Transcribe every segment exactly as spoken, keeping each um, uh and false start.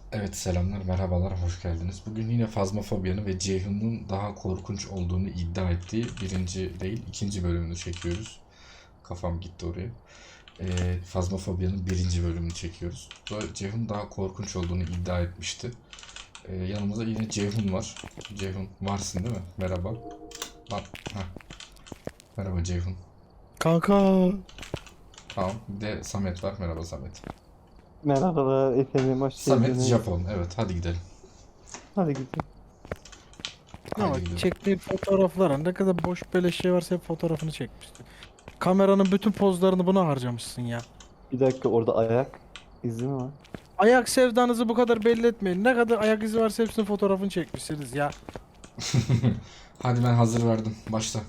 Evet selamlar, merhabalar, hoş geldiniz. Bugün yine Phasmophobia'nın ve Ceyhun'un daha korkunç olduğunu iddia ettiği birinci değil, ikinci bölümünü çekiyoruz. Kafam gitti oraya. Ee, Phasmophobia'nın birinci bölümünü çekiyoruz. Bu Ceyhun daha korkunç olduğunu iddia etmişti. Ee, yanımızda yine Ceyhun var. Ceyhun varsın değil mi? Merhaba. Bak, heh. Merhaba Ceyhun. Kanka. Tamam. Bir de Samet var. Merhaba Samet. Merhabalar efendim, hoş Samet geldiniz. Japon. Evet, hadi gidelim. Hadi gidelim. Ya Haydi bak gidelim. çektiği fotoğraflara ne kadar boş beleş şey varsa hep fotoğrafını çekmişsin. Kameranın bütün pozlarını buna harcamışsın ya. Bir dakika, orada ayak izi mi var? Ayak sevdanızı bu kadar belli etmeyin. Ne kadar ayak izi varsa hepsinin fotoğrafını çekmişsiniz ya. Hadi ben hazır verdim. Başla.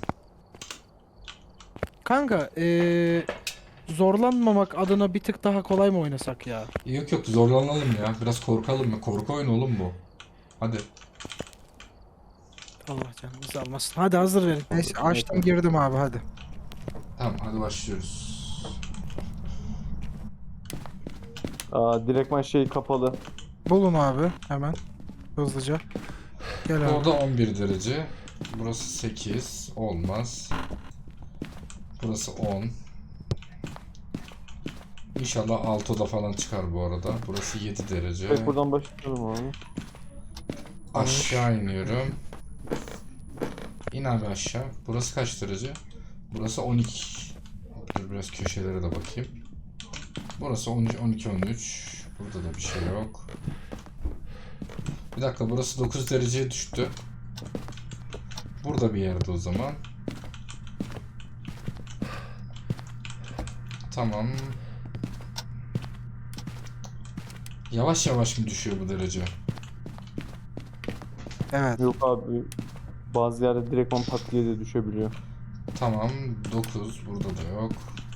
Kanka ee, zorlanmamak adına bir tık daha kolay mı oynasak ya? Yok yok zorlanalım ya. Biraz korkalım ya. Korku oyunu oğlum bu. Hadi. Allah canımızı almasın. Hadi hazır verin. Neyse Olur, açtım yeter. girdim abi hadi. Tamam hadi başlıyoruz. Aa, direktman şey kapalı. Bulun abi hemen hızlıca. Gel abi. Orada on bir derece. Burası sekiz. Olmaz. Burası on. İnşallah altı oda falan çıkar bu arada. Burası yedi derece. Evet, buradan başlayalım abi. Aşağı iniyorum. İn abi aşağı. Burası kaç derece? Burası on iki. Dur biraz köşelere de bakayım. Burası on iki, on iki, on üç. Burada da bir şey yok. Bir dakika burası dokuz dereceye düştü. Burada bir yerde o zaman. Tamam. Yavaş yavaş mı düşüyor bu derece? Evet. Yok abi, bazı yerde direktman pat diye de düşebiliyor. Tamam. dokuz. Burada da yok.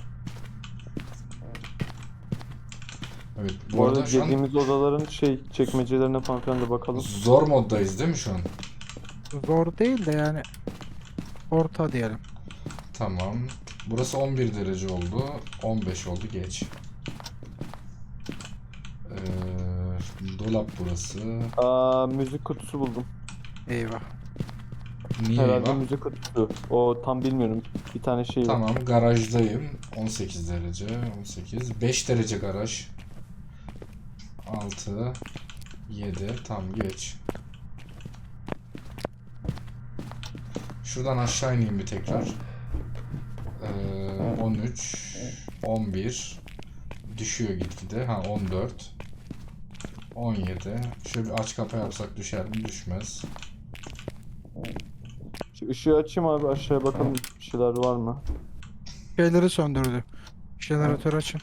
Evet. Bu, Bu arada arada şu an dediğimiz odaların şey çekmecelerine falan filan da bakalım. zor moddayız değil mi şu an? Zor değil de yani orta diyelim. Tamam. Burası on bir derece oldu. on beş oldu. Geç. Ee, dolap burası. Aa, müzik kutusu buldum. Eyvah. Niye Herhalde bak? müzik kutusu. O tam bilmiyorum. Bir tane şey var. Tamam. Garajdayım. on sekiz derece. on sekiz. beş derece garaj. altı. yedi. Tam geç. Şuradan aşağı ineyim bir tekrar. Ee, on üç. on bir. Düşüyor gitgide. Ha on dört. on yedi. Şöyle bir aç kapa yapsak düşer mi? Düşmez. Şu ışığı açayım abi, aşağıya bakalım bir şeyler var mı? Şeyleri söndürdü. Jeneratör açın.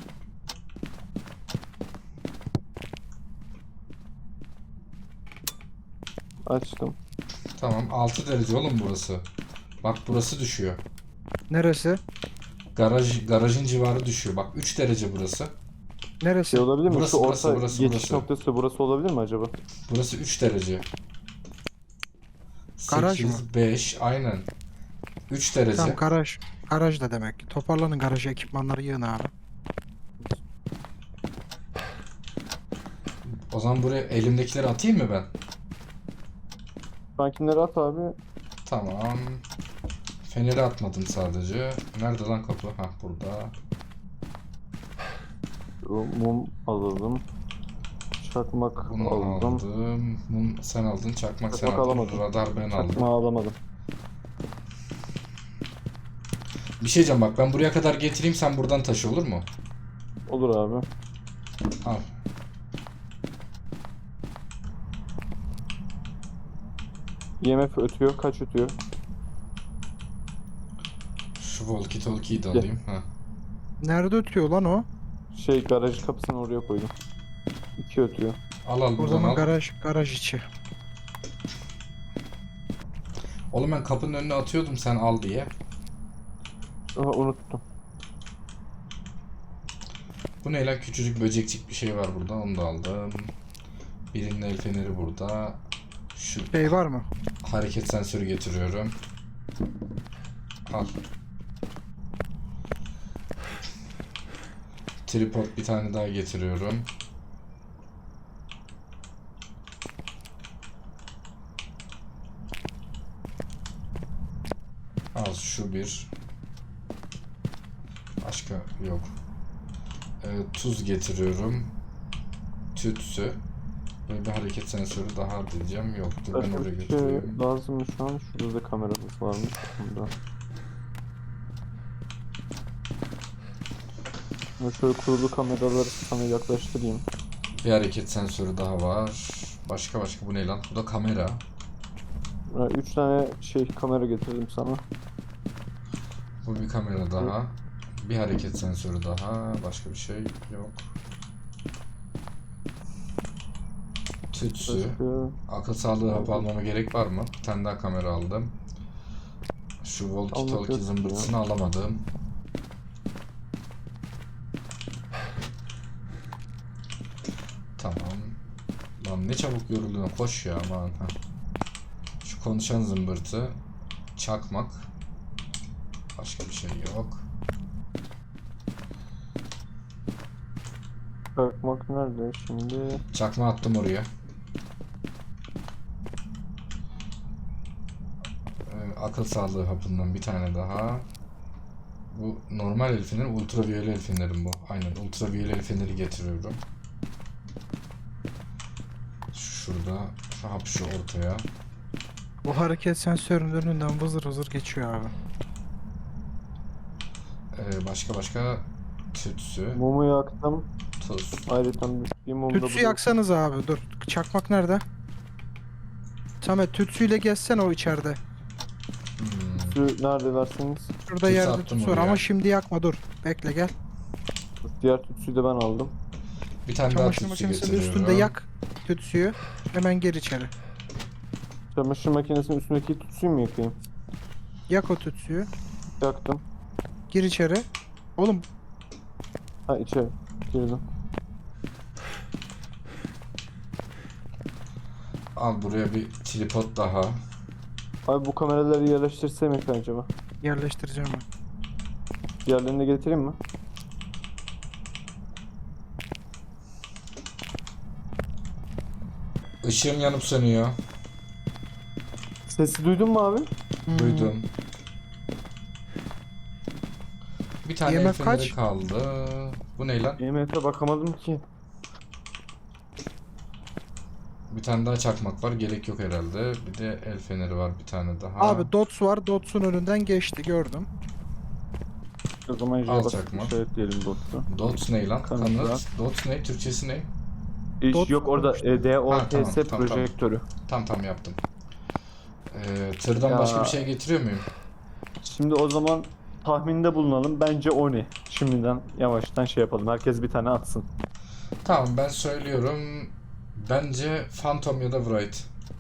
Açtım. Tamam. altı derece oğlum burası. Bak burası düşüyor. Neresi? Garaj garajın civarı düşüyor. Bak üç derece burası. Neresi? Şey olabilir mi? Burası, Şu burası, orta burası, geçiş burası. noktası burası olabilir mi acaba? Burası üç derece. Garaj mı? sekiz, beş, aynen. üç derece. Tamam garaj. Garaj da demek ki. Toparlanın garaja ekipmanları yığın abi. O zaman buraya elimdekileri atayım mı ben? Sankinleri at abi. Tamam. Feneri atmadım sadece. Nerede lan kapı? Hah burada. Şu mum alalım. Çakmak Bunu aldım. aldım. Mum sen aldın. Çakmak sen Çakmak aldın. alamadım. Radar ben aldım. Çakmağı alamadım. Bir şey diyeceğim bak ben buraya kadar getireyim sen buradan taşı olur mu? Olur abi. Al. I M F ötüyor. Kaç ötüyor? Şu walkie talkie'yi de Gel. alayım. Ha. Nerede ötüyor lan o? Şey, garaj kapısını oraya koydum. iki ötüyor. Al al O buradan zaman al. garaj garaj içi. Oğlum ben kapının önüne atıyordum sen al diye. Aha, unuttum. Bu ne lan küçücük böcekçik bir şey var burada onu da aldım. Birinin el feneri burada. Şu Şey var mı? hareket sensörü getiriyorum. Al. Tripod bir tane daha getiriyorum. Al şu bir. Başka yok. Ee, tuz getiriyorum. Tütsü. Ve bir hareket sensörü daha diyeceğim. Yoktur. Ben Başka oraya bir şey götürüyorum. lazım mı şu an? Şurada da kameramız varmış. Bunda. Ben şöyle kurulu kameraları sana yaklaştırayım. Bir hareket sensörü daha var. Başka başka bu ne lan? Bu da kamera. Ha, Üç tane şey kamera getirdim sana. Bu bir kamera daha. Bir hareket sensörü daha. Başka bir şey yok. Tütsü. Başka... Akıl sağlığı hapı almama gerek var mı? Bir tane daha kamera aldım. Şu walkie Almak talkie yok zımbırtısını alamadım. Tamam. Lan ne çabuk yoruldun, koş ya aman. Ha. Şu konuşan zımbırtı. Çakmak. Başka bir şey yok. Bakmak nerede şimdi? Çakma attım oraya. Ee, akıl sağlığı hapından bir tane daha. Bu normal el feneri, ultraviyole el fenerim bu. Aynen, ultraviyole el feneri getiriyorum. Şurada, şu hap şu ortaya. Bu hareket sensörünün önünden vızır vızır geçiyor abi. Ee, başka başka tütsü, Mumu yaktım. tuz. Ayrıca bir mum da Tütsü burada. yaksanız abi dur. Çakmak nerede? Samet tütsüyle gezsen o içeride. Hmm. Tütsü nerede verseniz? Şurada Tütsü yerde attım tütsü var oraya. ama şimdi yakma dur. Bekle gel. Diğer tütsüyü de ben aldım. Bir tane daha Çamaşır tütsü makinesinin getiriyorum. üstünde yak tütsüyü. Hemen gir içeri. Çamaşır makinesinin üstündeki tütsüyü mü yakayım? Yak o tütsüyü. Yaktım. Gir içeri. Oğlum Ha içeri girdim. Al buraya bir tripod daha. Abi bu kameraları yerleştirsem mi acaba? yerleştireceğim ben. Diğerlerini de getireyim mi? Işığım yanıp sönüyor. Sesi duydun mu abi? Hmm. Duydum. Bir tane I M el F feneri kaç? kaldı. Bu ne lan? I M F'e bakamadım ki. Bir tane daha çakmak var. Gerek yok herhalde. Bir de el feneri var bir tane daha. Abi dots var. Dots'un önünden geçti gördüm. O zaman Al J çakma. basıp işaretleyelim dostu. Dots ne lan? Kanıt Kanıt. var. Dots ne? Türkçesi ne? İş Dot yok orada olmuş. e, D O Ha, T tamam, S tamam, tamam. projektörü. Tam tam yaptım. Ee, tırdan Ya. başka bir şey getiriyor muyum? Şimdi o zaman tahminde bulunalım. Bence o ne? Şimdiden yavaştan şey yapalım. Herkes bir tane atsın. Tamam ben söylüyorum. Bence Phantom ya da Wright.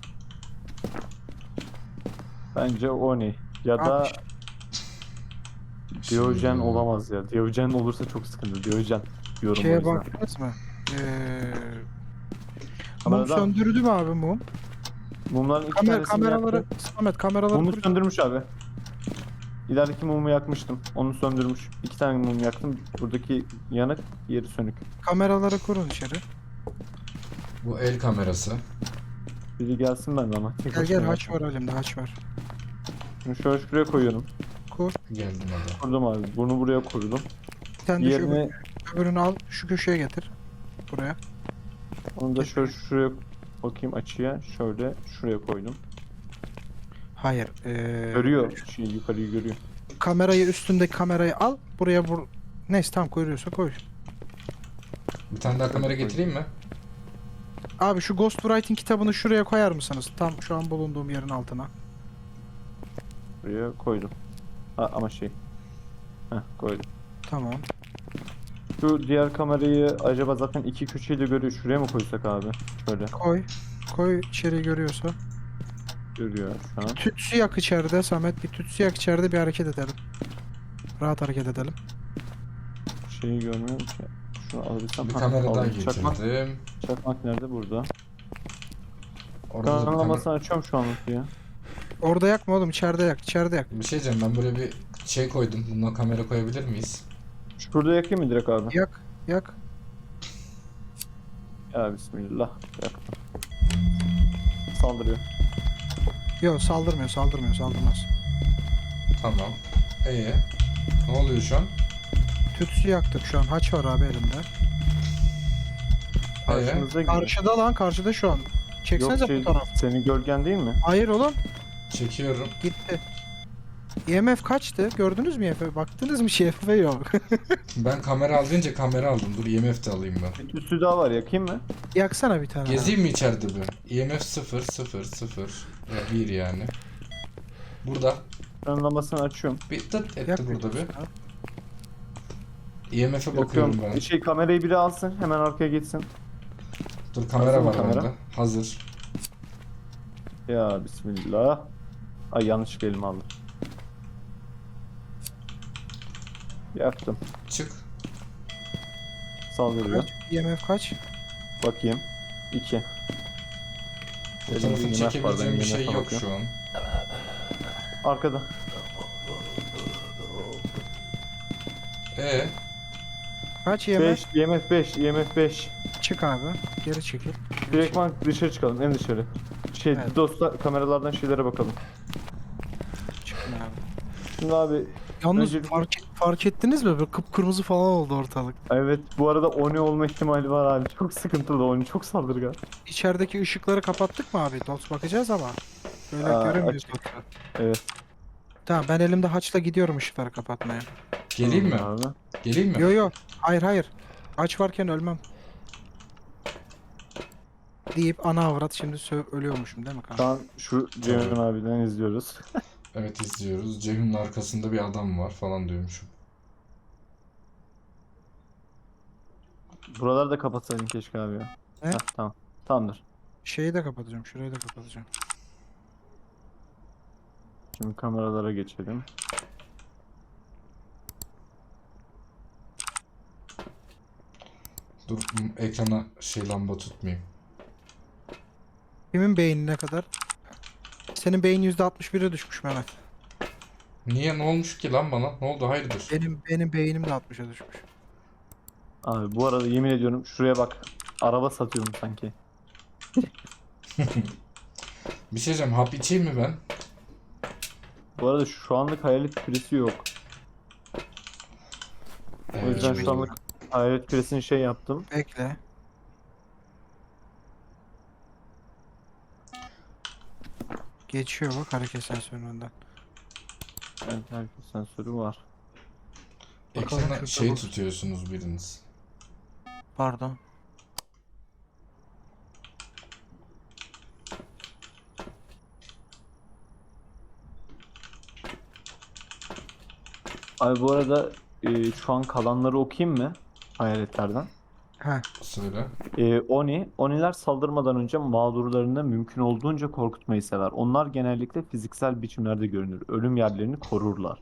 Bence o ne? Ya da Abi, Diyojen Şimdi- olamaz ya. Diyojen olursa çok sıkıntı. Diyojen diyorum o Şeye yüzden. baktınız mı? Ee, mum Kameradan- söndürdü mü abi mum? Mumların iki Kamer tanesini kameraları, yaktım. Samet kameraları Mumu kur- söndürmüş abi. İlerideki mumu yakmıştım. Onu söndürmüş. İki tane mum yaktım. Buradaki yanık, yeri sönük. kameraları kurun içeri. Bu el kamerası. Biri gelsin ben de ama. Tek Gel başıma gel haç yapmam. var elimde haç var. Şunu şöyle şuraya koyuyorum. Kur. Geldim hadi. Kurdum abi. Bunu buraya kurdum. Bir tane de şu Diğerini, öbür- öbürünü al şu köşeye getir. Buraya. onu da şöyle şuraya bakayım açıya. Şöyle şuraya koydum. Hayır. Ee, Görüyor. Şey, yukarıyı görüyor. Kamerayı üstündeki kamerayı al. Buraya vur. Neyse tam koyuyorsa koy. Bir tane daha kamera getireyim mi? Abi şu Ghostwriting kitabını şuraya koyar mısınız? Tam şu an bulunduğum yerin altına. Buraya koydum. Ha, ama şey. Heh koydum. Tamam. Şu diğer kamerayı acaba zaten iki köşeyle görüyor. Şuraya mı koysak abi? Şöyle. Koy. Koy içeri görüyorsa. Görüyor şu an. Tütsü yak içeride Samet. Bir tütsü yak içeride bir hareket edelim. Rahat hareket edelim. Şeyi görmüyorum ki. Şunu alabilsem. Bir Ha, kamera daha aldım. Çakmak, getirdim. çakmak nerede? Burada. Orada da bir, kamera... Kanalamasını açıyorum şu anlık ya. Orada yakma oğlum içeride yak. İçeride yak. bir şey diyeceğim, ben buraya bir şey koydum. Bundan kamera koyabilir miyiz? Şurada yakayım mı direkt abi? Yak. Yak. Ya bismillah. Yaktım. Saldırıyor. Yok saldırmıyor saldırmıyor saldırmaz. Tamam. Ee, ne oluyor şu an? Tütsü yaktık şu an. Haç var abi elimde. Ee, Karşımıza gibi. Karşıda lan karşıda şu an. Yok Çeksenize şey, fotoğraf. senin gölgen değil mi? Hayır oğlum çekiyorum. gitti. E M F kaçtı? Gördünüz mü E M F'e? Baktınız mı şey E M F'e yok. Ben kamera al deyince kamera aldım. Dur E M F de alayım ben. Bir tütsü daha var, yakayım mı? Yaksana bir tane. Gezeyim mi içeride bir? E M F sıfır sıfır sıfır bir yani. Burada. Ben lambasını açıyorum. Bir tıt etti Yak burada bir. tütsü ya. E M F'e bakıyorum Yakıyorum. ben. Şey, kamerayı biri alsın, hemen arkaya geçsin. Dur kamera Hazır mı var kamera? bende. Hazır. Ya bismillah. Ay yanlış elime aldım. Yaktım. Çık. Saldırıyor. Kaç? E M F kaç? Bakayım. iki. Fotoğrafını çekebileceğim bir şey yok şu an. Arkada. Ee, Kaç E M F? beş, E M F beş, E M F beş. Çık abi. Geri çekil. Direktman dışarı çıkalım, en dışarı. Şey, Evet. dostlar kameralardan şeylere bakalım. Çıkın abi. Şimdi abi, Yalnız Öncelikle- fark, fark ettiniz mi? Böyle kıpkırmızı falan oldu ortalık. evet bu arada Oni olma ihtimali var abi. Çok sıkıntılı Oni, çok saldırgan. İçerideki ışıkları kapattık mı abi? Dots bakacağız ama. Böyle Aa, göremiyoruz açık. Dots'u. Evet. Tamam ben elimde haçla gidiyorum ışıkları kapatmaya. geleyim mi? Tamam Abi. Geleyim mi? Yo yo. Hayır hayır. Haç varken ölmem. Deyip ana avrat şimdi sö- ölüyormuşum değil mi Şu kanka? an şu Ceyhun abiden izliyoruz. Evet izliyoruz. Ceyhun'un arkasında bir adam var falan diyormuşum. Buraları da kapatsaydın keşke abi ya. Ne? Heh, tamam. Tamamdır. Şeyi de kapatacağım. Şurayı da kapatacağım. Şimdi kameralara geçelim. Dur m- ekrana şey lamba tutmayayım. Kimin beyni ne kadar? Senin beyin yüzde altmış bire düşmüş Mehmet. Niye ne olmuş ki lan bana? Ne oldu hayırdır? Benim benim beynim de altmışa düşmüş. Abi bu arada yemin ediyorum şuraya bak. Araba satıyorum sanki. Bir şey diyeceğim, hap içeyim mi ben? Bu arada şu anlık hayalet küresi yok. O yüzden Ee, şu anlık hayalet küresini şey yaptım. Bekle. Geçiyor bak hareket sensöründen. Evet, hareket sensörü var. Bakalım ekrana şurada şey bu- tutuyorsunuz biriniz. Pardon. Abi bu arada e, şu an kalanları okuyayım mı? Hayaletlerden. Ha. Söyle. E, Oni, Oniler saldırmadan önce mağdurlarını mümkün olduğunca korkutmayı sever. Onlar genellikle fiziksel biçimlerde görünür. Ölüm yerlerini korurlar.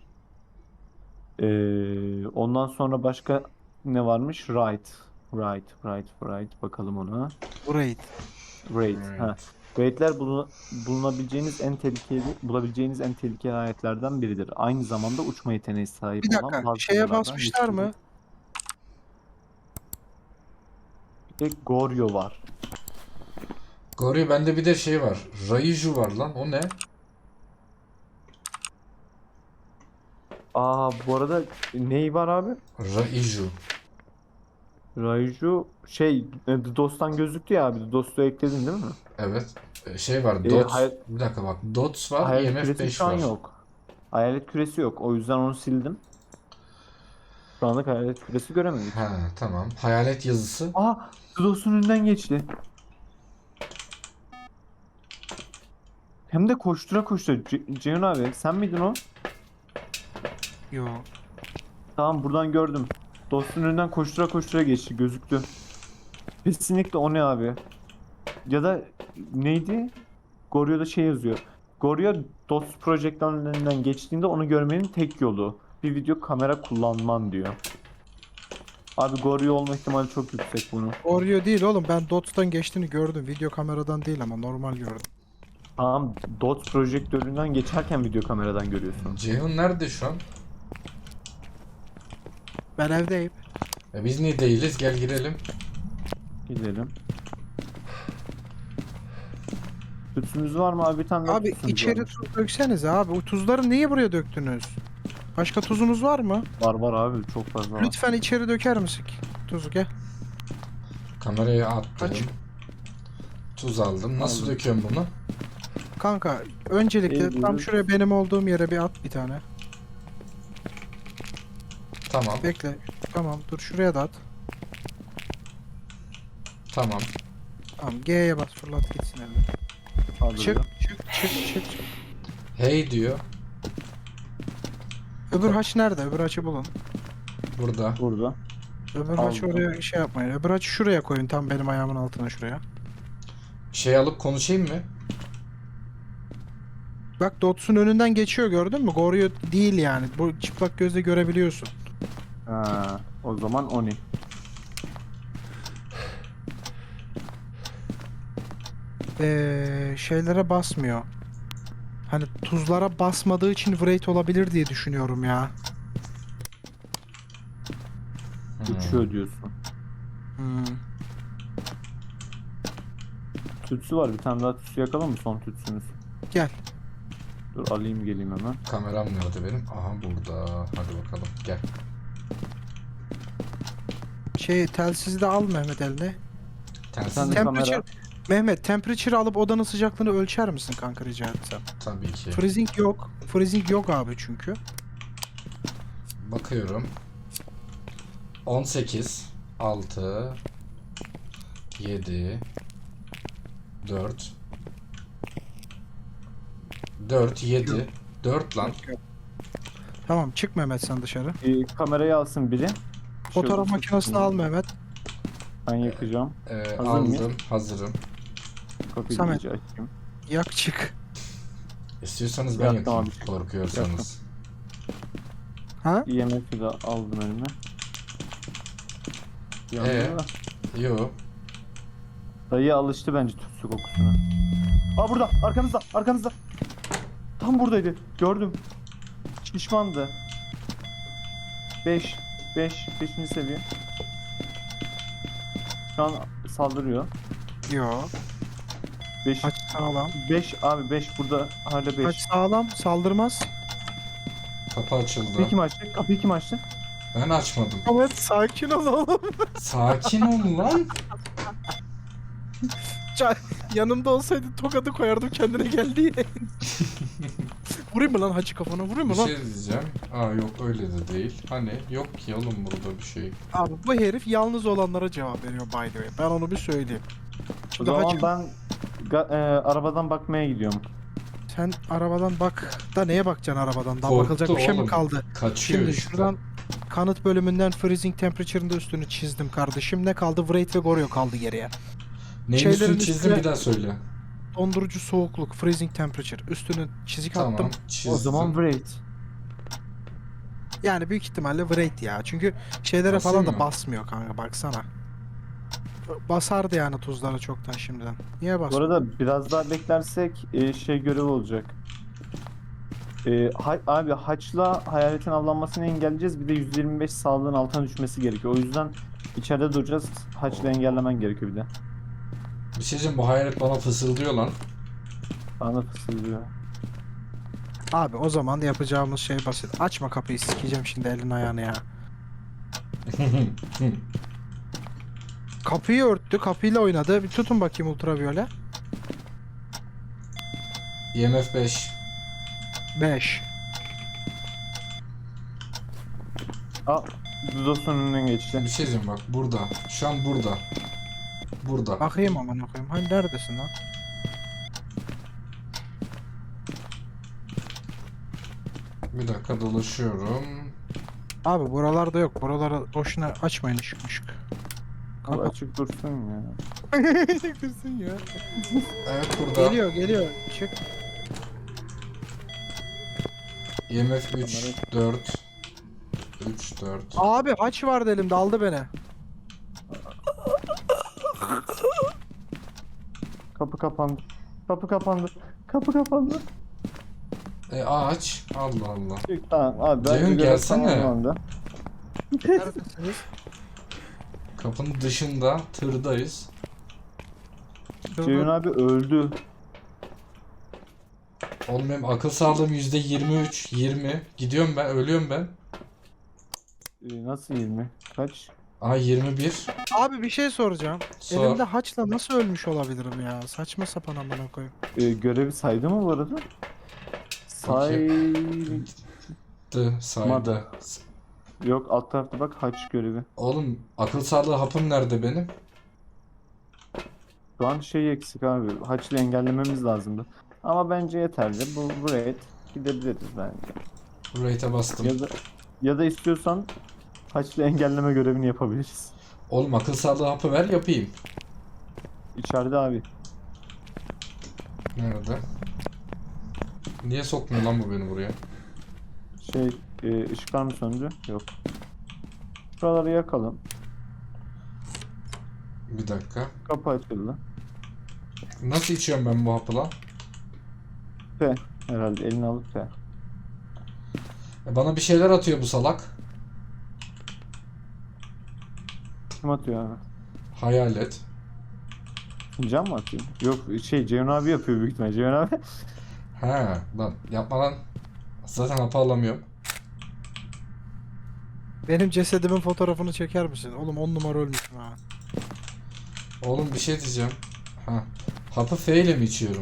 E, ondan sonra başka ne varmış? Right. Right, right, right. Bakalım ona. Burayı. Raid. Raid. Ha. Raidler bulun- bulunabileceğiniz en tehlikeli, bulabileceğiniz en tehlikeli hayatlardan biridir. Aynı zamanda uçma yeteneği sahip Bir olan dakika. bazı Şeye canlılardan basmışlar mı? güçlüdür. Bir de Goryo var. Gori bende bir de şey var. Raiju var lan. O ne? Aa bu arada ney var abi? Raiju. Raiju şey e, The Dost'tan gözüktü ya abi. The Dost'u ekledin değil mi? Evet. Ee, Şey var. Ee, Dots. hay- Bir dakika bak. Dots var. Hayalet E M F küresi beş şu an var. yok. Hayalet küresi yok. O yüzden onu sildim. Şu anlık hayalet küresi göremedik. Ha tamam. Hayalet yazısı. Aa The Dost'un önünden geçti. Hem de koştura koştura. Ce- Ceyhun abi sen miydin o? Yo. Tamam buradan gördüm. Dostun önünden koştura koştura geçti gözüktü. Kesinlikle o ne abi? Ya da neydi? Goryo'da şey yazıyor. Goryo Dost Project'ın önünden geçtiğinde onu görmenin tek yolu bir video kamera kullanman diyor. Abi Goryo olma ihtimali çok yüksek bunu. Oreo değil oğlum. Ben Dots'tan geçtiğini gördüm. Video kameradan değil ama normal gördüm. Tamam Dots projektöründen geçerken video kameradan görüyorsun. Ceyhun nerede şu an? Ben evdeyim. E biz niye değiliz? Gel girelim. Gidelim. Tütsümüz var mı abi? Bir tane daha Abi tütsümüz içeri varmış. tuz döksenize abi. O tuzları niye buraya döktünüz? Başka tuzunuz var mı? Var var abi, çok fazla var. Lütfen içeri döker misin tuzu, gel. Kamerayı attım. Aç. Tuz aldım. Nasıl Aldım. döküyorum bunu? Kanka öncelikle tam Eğiliyoruz. şuraya benim olduğum yere bir at bir tane. Tamam. Bekle. Tamam dur şuraya da at. Tamam. Tamam G'ye bas fırlat gitsin eline. Çık Kaldırıyor. çık çık çık. çık. Hey diyor. Öbür haç nerede? Öbür haçı bulun. Burada. Burada. Öbür haçı Aldım. oraya şey yapmayın. Öbür haçı şuraya koyun tam benim ayağımın altına şuraya. Şey alıp konuşayım mı? Bak Dots'un önünden geçiyor gördün mü? Goryo değil yani. Bu çıplak gözle görebiliyorsun. Ha, o zaman Oni. Ee, şeylere basmıyor. Hani tuzlara basmadığı için Wraith olabilir diye düşünüyorum ya. Hmm. Uçuyor diyorsun. Hmm. Tütsü var. Bir tane daha tütsü yakalım mı? Son tütsümüz. Gel. Dur alayım geleyim hemen. Kameram nerede benim? Aha burada. Hadi bakalım. Gel. Şey telsizi de al Mehmet eline. Telsiz Sen de mi? kamera. Temperature, Mehmet temperature alıp odanın sıcaklığını ölçer misin kanka rica etsem? Tabii ki. Freezing yok. Freezing yok abi çünkü. Bakıyorum. on sekiz, altı, yedi, dört, dört, yedi, dört lan. Tamam çık Mehmet sen dışarı. Ee, kamerayı alsın biri. Fotoğraf Şöyle makinesini tütsünü al Mehmet. Ben yakacağım. Ee, Hazır aldım. mıyız? Hazırım. Kapıyı Samet. iyice açayım. Yak çık. İstiyorsanız ben Yaktım yakayım. abi. Korkuyorsanız. Ha? I M F'i de aldım elime. Yandı Ee? da. Yo. Dayı alıştı bence tütsü kokusuna. Aa burada, arkanızda, arkanızda. Tam buradaydı, gördüm. Şişmandı. beş, beş, beşinci seviye. Şu an saldırıyor. Yo. beş, Haç sağlam. beş abi beş burada hala Haç beş. sağlam saldırmaz. Kapı açıldı. Kapıyı kim açtı? Kapıyı kim açtı? Ben açmadım. Mehmet sakin ol oğlum. Sakin ol lan. Ca- Yanımda olsaydı tokadı koyardım kendine geldi diye. Vurayım mı lan hacı kafana vurayım Bir mı lan? şey diyeceğim. Aa yok öyle de değil. Hani yok ki oğlum burada bir şey. Abi bu herif yalnız olanlara cevap veriyor by the way. Ben onu bir söyleyeyim. O Şimdi zaman hacı ben ga- e, arabadan bakmaya gidiyorum. sen arabadan bak da neye bakacaksın arabadan? Daha Korktu bakılacak bir şey mi oğlum. kaldı? Kaçıyor Şimdi işte. şuradan kanıt bölümünden freezing temperature'ın da üstünü çizdim kardeşim. Ne kaldı? Wraith ve Goryo kaldı geriye. Neyin şeylerin üstünü çizdim üstüne- bir daha söyle. Dondurucu soğukluk, freezing temperature. Üstünü çizik Tamam attım. çizdim. O zaman Wraith. Yani büyük ihtimalle Wraith ya. Çünkü şeylere Basayım falan da mı? basmıyor kanka baksana. Basardı yani tuzlara çoktan şimdiden. Niye Bu basmıyor? arada biraz daha beklersek e, şey görevi olacak. E, ha- abi haçla hayaletin avlanmasını engelleyeceğiz. Bir de yüzde yirmi beş sağlığın altına düşmesi gerekiyor. O yüzden içeride duracağız. Haçla engellemen gerekiyor bir de. Bir şey diyeceğim bu hayalet bana fısıldıyor lan. Bana fısıldıyor. Abi o zaman yapacağımız şey basit. Açma kapıyı sikeceğim şimdi elin ayağını ya. Kapıyı örttü, kapıyla oynadı. Bir tutun bakayım ultraviyole. I M F beş. beş. Aa, Dudos'un önünden geçti. Bir şey diyeceğim bak burada. Şu an burada. Burada. Bakayım aman okuyayım. Hani neredesin lan? Bir dakika dolaşıyorum. Abi buralarda yok. Buralara boşuna açmayın ışık ışık. Abi açık dursun ya. Çıkırsın ya. Evet burada. Geliyor geliyor. Çık. I M F üç, dört. üç, dört. Abi haç vardı elimde aldı beni. Kapı kapandı. Kapı kapandı. Kapı kapandı. E aç. Allah Allah. Çık, tamam abi. Ceyhun, bence görev gelsene. tamamlandı. Neredesiniz? Kapının dışında tırdayız. Ceyhun abi öldü. Oğlum benim akıl sağlığım yüzde yirmi üç, yirmi. Gidiyorum ben, ölüyorum ben. Ee, nasıl yirmi? Kaç? Aa yirmi bir. Abi bir şey soracağım. Sor. Elimde haçla nasıl ölmüş olabilirim ya? Saçma sapan amına koyayım. Ee, görevi saydı mı bu arada? Saymadı. Dı, saydı. Yok, alt tarafta bak, haç görevi. Oğlum akıl sağlığı hapım nerede benim? Şu an şey eksik abi. Haçlı engellememiz lazımdı. Ama bence yeterli. Bu buraya gidebiliriz bence. Bu rate'e bastım. Ya da ya da istiyorsan haçlı engelleme görevini yapabiliriz. Oğlum akıl sağlığı hapı ver yapayım. İçeride abi. Nerede? Niye sokmuyor lan bu beni buraya? Şey, e, ışıklar mı söndü? Yok. Şuraları yakalım. Bir dakika. Kapı açıldı. Nasıl içiyorum ben bu hapı lan? P. Herhalde elini alıp P. E bana bir şeyler atıyor bu salak. Kim atıyor abi? Hayalet. Can mı atıyor? Yok, şey, Ceyhun abi yapıyor büyük ihtimalle. Ceyhun abi. He lan yapma lan. Zaten hapı alamıyorum. Benim cesedimin fotoğrafını çeker misin? Oğlum on numara ölmüşüm ha. Oğlum bir şey diyeceğim. Ha. Hapı F ile mi içiyorum?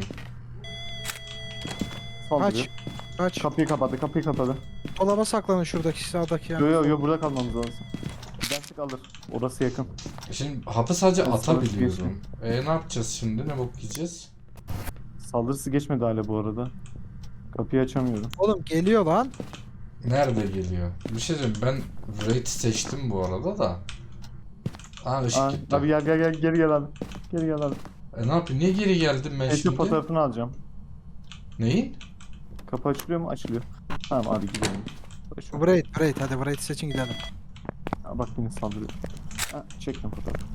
Saldırıyor. Kaç. Kaç. Kapıyı kapadı, kapıyı kapadı. Dolaba saklanın şuradaki sağdaki Yo yani. yo yo, burada kalmamız lazım. Gidersek alır. Orası yakın. Şimdi hapı sadece Ben sana atabiliyorum. E ne yapacağız şimdi? Ne bok yiyeceğiz? Saldırısı geçmedi hala bu arada. Kapıyı açamıyorum. Oğlum geliyor lan. Nerede geliyor? Bir şey diyeyim ben rate seçtim bu arada da. Aa ışık Aa, gitti. abi gel gel gel, geri gel abi. Geri gel abi. E ne yapayım? Niye geri geldim ben Eski şimdi? fotoğrafını alacağım. Neyin? Kapı açılıyor mu? Açılıyor. Tamam abi, gidelim. Boş ver. Braid, Braid hadi Braid seçin gidelim. Aa, bak yine saldırıyor. Ha, çektim fotoğrafı.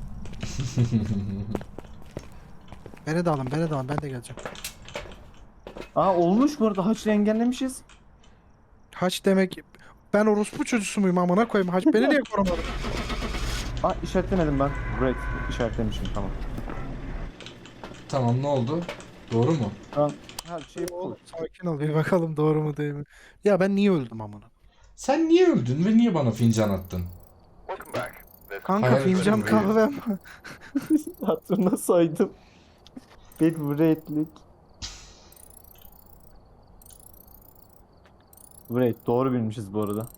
Beni de alın, beni de alın, ben de geleceğim. Aa, olmuş bu arada, haçlı engellemişiz. Haç demek ben orospu çocuğusu muyum amına koyayım? Haç beni niye korumadın? Aa, işaretlemedim ben. Great, işaretlemişim, tamam. Tamam ne oldu? Doğru mu? Tamam. Her şey Oğlum full. sakin ol bir bakalım doğru mu değil mi? Ya ben niye öldüm amına? Sen niye öldün ve niye bana fincan attın? Kanka Hayal fincan kırıklığı. kahvem. Hatırına saydım. Bir Great'lik. Great, doğru bilmişiz bu arada.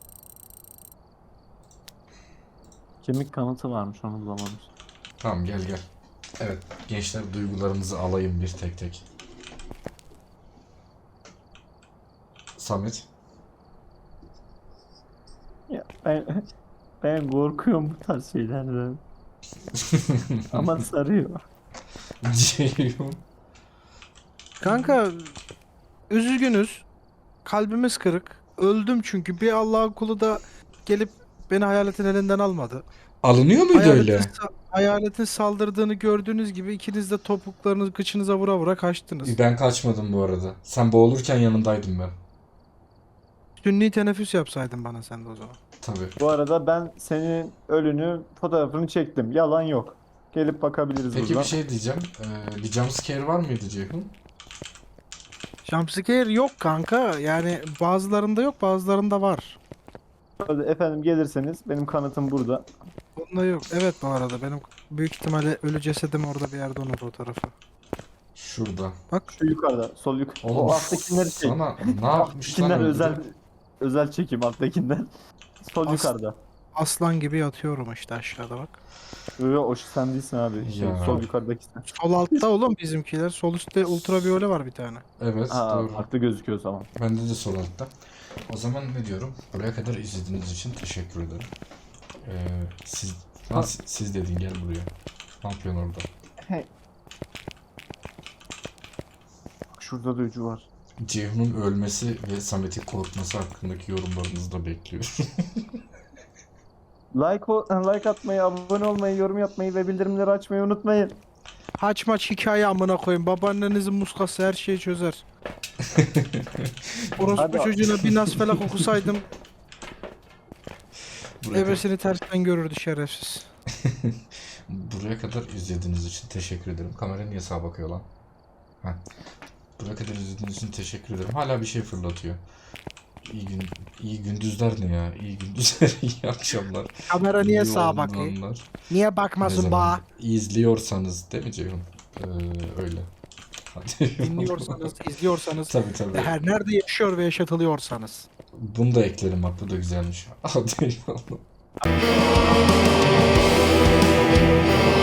Kemik kanıtı varmış, onu bulamamış. Tamam gel gel. Evet gençler duygularınızı alayım bir tek tek. Samet. Ya ben ben korkuyorum bu tarz şeylerden. Ama sarıyor. Ceyhun. Kanka üzgünüz. Kalbimiz kırık. Öldüm çünkü bir Allah'ın kulu da gelip beni hayaletin elinden almadı. Alınıyor muydu Hayaletin, öyle? sa- hayaletin saldırdığını gördüğünüz gibi ikiniz de topuklarınızı kıçınıza vura vura kaçtınız. Ben kaçmadım bu arada. Sen boğulurken yanındaydım ben. Sünni teneffüs yapsaydın bana sen de o zaman. Tabii. Bu arada ben senin ölünü, fotoğrafını çektim. Yalan yok. Gelip bakabiliriz Peki buradan. bir şey diyeceğim. Ee, bir jumpscare var mıydı Ceyhun? Jumpscare yok kanka. Yani bazılarında yok bazılarında var. Hadi efendim, gelirseniz benim kanıtım burada. Bunda yok. Evet bu arada benim büyük ihtimalle ölü cesedim orada bir yerde onun fotoğrafı. Şurada. Bak Şu yukarıda, sol yukarı. Oğlum O alttakileri çek. sana ne yapmış lan Alttakiler öldürüp? özel özel çekim, alttakiler. Sol As- yukarıda. aslan gibi yatıyorum işte aşağıda bak. Yo yo, o sen değilsin abi. Şey, Ya. sol yukarıdaki sen. Sol altta oğlum bizimkiler. Sol üstte ultraviyole var bir tane. Evet Ha, doğru. farklı gözüküyor zaman. Bende de sol altta. O zaman ne diyorum? Buraya kadar izlediğiniz için teşekkür ederim. Ee, siz, ha, siz, siz dedin gel buraya. Ne yapıyorsun orada? Şurada da ucu var. Ceyhun'un ölmesi ve Samet'in korkması hakkındaki yorumlarınızı da bekliyorum. Like, o- like atmayı, abone olmayı, yorum yapmayı ve bildirimleri açmayı unutmayın. Haç maç hikaye amına koyayım. Babaannenizin muskası her şeyi çözer. Orospu Hadi. çocuğuna bir nas felak okusaydım Buraya, kadar, ebesini tersten görürdü şerefsiz. buraya kadar izlediğiniz için teşekkür ederim. Kamera niye sağa bakıyor lan? Heh. Buraya kadar izlediğiniz için teşekkür ederim. Hala bir şey fırlatıyor. İyi gün, iyi gündüzler ne ya? İyi gündüzler, iyi akşamlar. Kamera niye iyi sağa bakıyor? olanlar. Niye Ne bakmasın zaman ba? izliyorsanız değil mi Ceyhun? Ee, öyle. Hadi. Dinliyorsanız, izliyorsanız Tabii tabii. ve her nerede yaşıyor ve yaşatılıyorsanız. Bunu da eklerim bak, bu da güzelmiş. Hadi eyvallah.